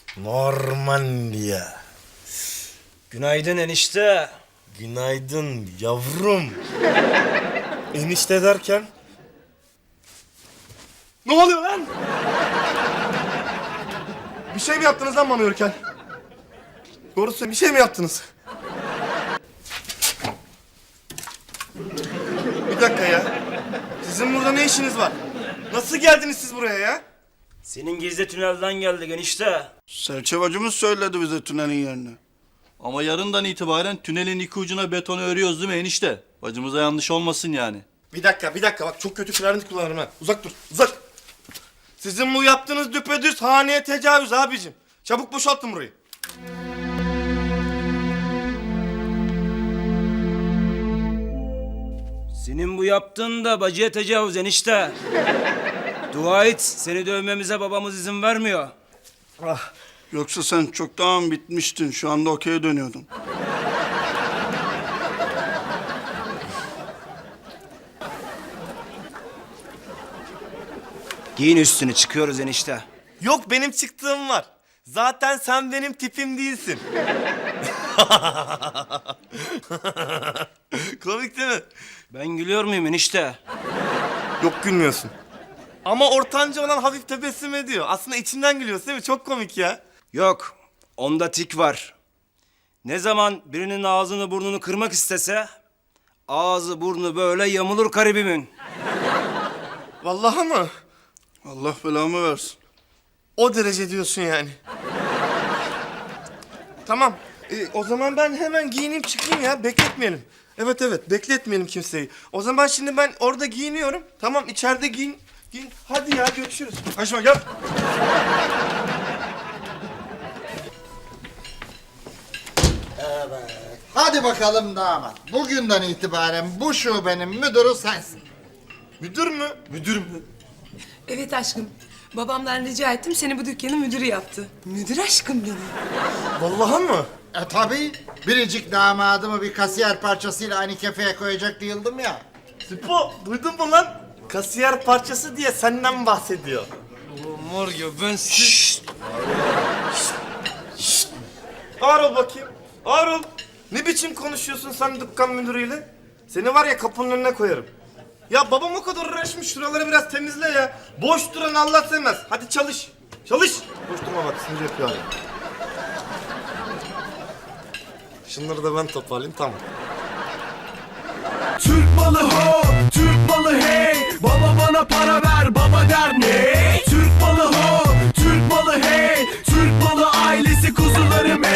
Normandiya. Günaydın enişte. Günaydın yavrum. Enişte derken? Ne oluyor lan? Bir şey mi yaptınız lan bana yürürken? Doğru söyle, bir şey mi yaptınız? Bir dakika ya. Sizin burada ne işiniz var? Nasıl geldiniz siz buraya ya? Senin gizli tünelden geldik enişte. Serçevacımız söyledi bize tünelin yerini. Ama yarından itibaren tünelin iki ucuna betonu örüyoruz değil mi enişte? Bacımıza yanlış olmasın yani. Bir dakika. Bak çok kötü klarnet kullanırım ha. Uzak dur, uzak. Sizin bu yaptığınız düpedüz haneye tecavüz abicim. Çabuk boşaltın burayı. Senin bu yaptığın da bacıya tecavüz enişte. Dua et, seni dövmemize babamız izin vermiyor. Yoksa sen çoktan bitmiştin. Şu anda okey'e dönüyordun. Giyin üstünü, çıkıyoruz enişte. Yok, benim çıktığım var. Zaten sen benim tipim değilsin. Komik değil mi? Ben gülüyor muyum enişte? Yok, gülmüyorsun. Ama ortanca olan hafif tebessüm ediyor. Aslında içinden gülüyorsun değil mi? Çok komik ya. Yok, onda tik var. Ne zaman birinin ağzını burnunu kırmak istese... ...ağzı burnu böyle yamulur garibimin. Vallahi mı? Allah belamı versin. O derece diyorsun yani. Tamam. O zaman ben hemen giyineyim çıkayım ya. Bekletmeyelim. Evet, bekletmeyelim kimseyi. O zaman şimdi ben orada giyiniyorum. Tamam, içeride giyin. Hadi ya, görüşürüz. Aşma gel. Hadi bakalım damat. Bugünden itibaren bu şubenin müdürü sensin. Müdür mü? Müdür mü? Evet aşkım. Babamdan rica ettim, seni bu dükkanın müdürü yaptı. Müdür aşkım benim. Vallahi mı? Tabii. Biricik damadımı bir kasiyer parçasıyla aynı kefeye koyacak değildim ya. Sipo, duydun mu lan? Kasiyer parçası diye senden bahsediyor. Mor ya ben... Ağır ol bakayım. Ağır ol. Ne biçim konuşuyorsun sen dükkan müdürüyle? Seni var ya kapının önüne koyarım. Ya babam o kadar uğraşmış, şuraları biraz temizle ya. Boş duran Allah sevmez. Hadi çalış. Çalış. Boş durma bak, sinir yapıyor abi. Şunları da ben toparlayayım, tamam. Türk malı ho, Türk malı hey. Baba bana para ver, baba der ne?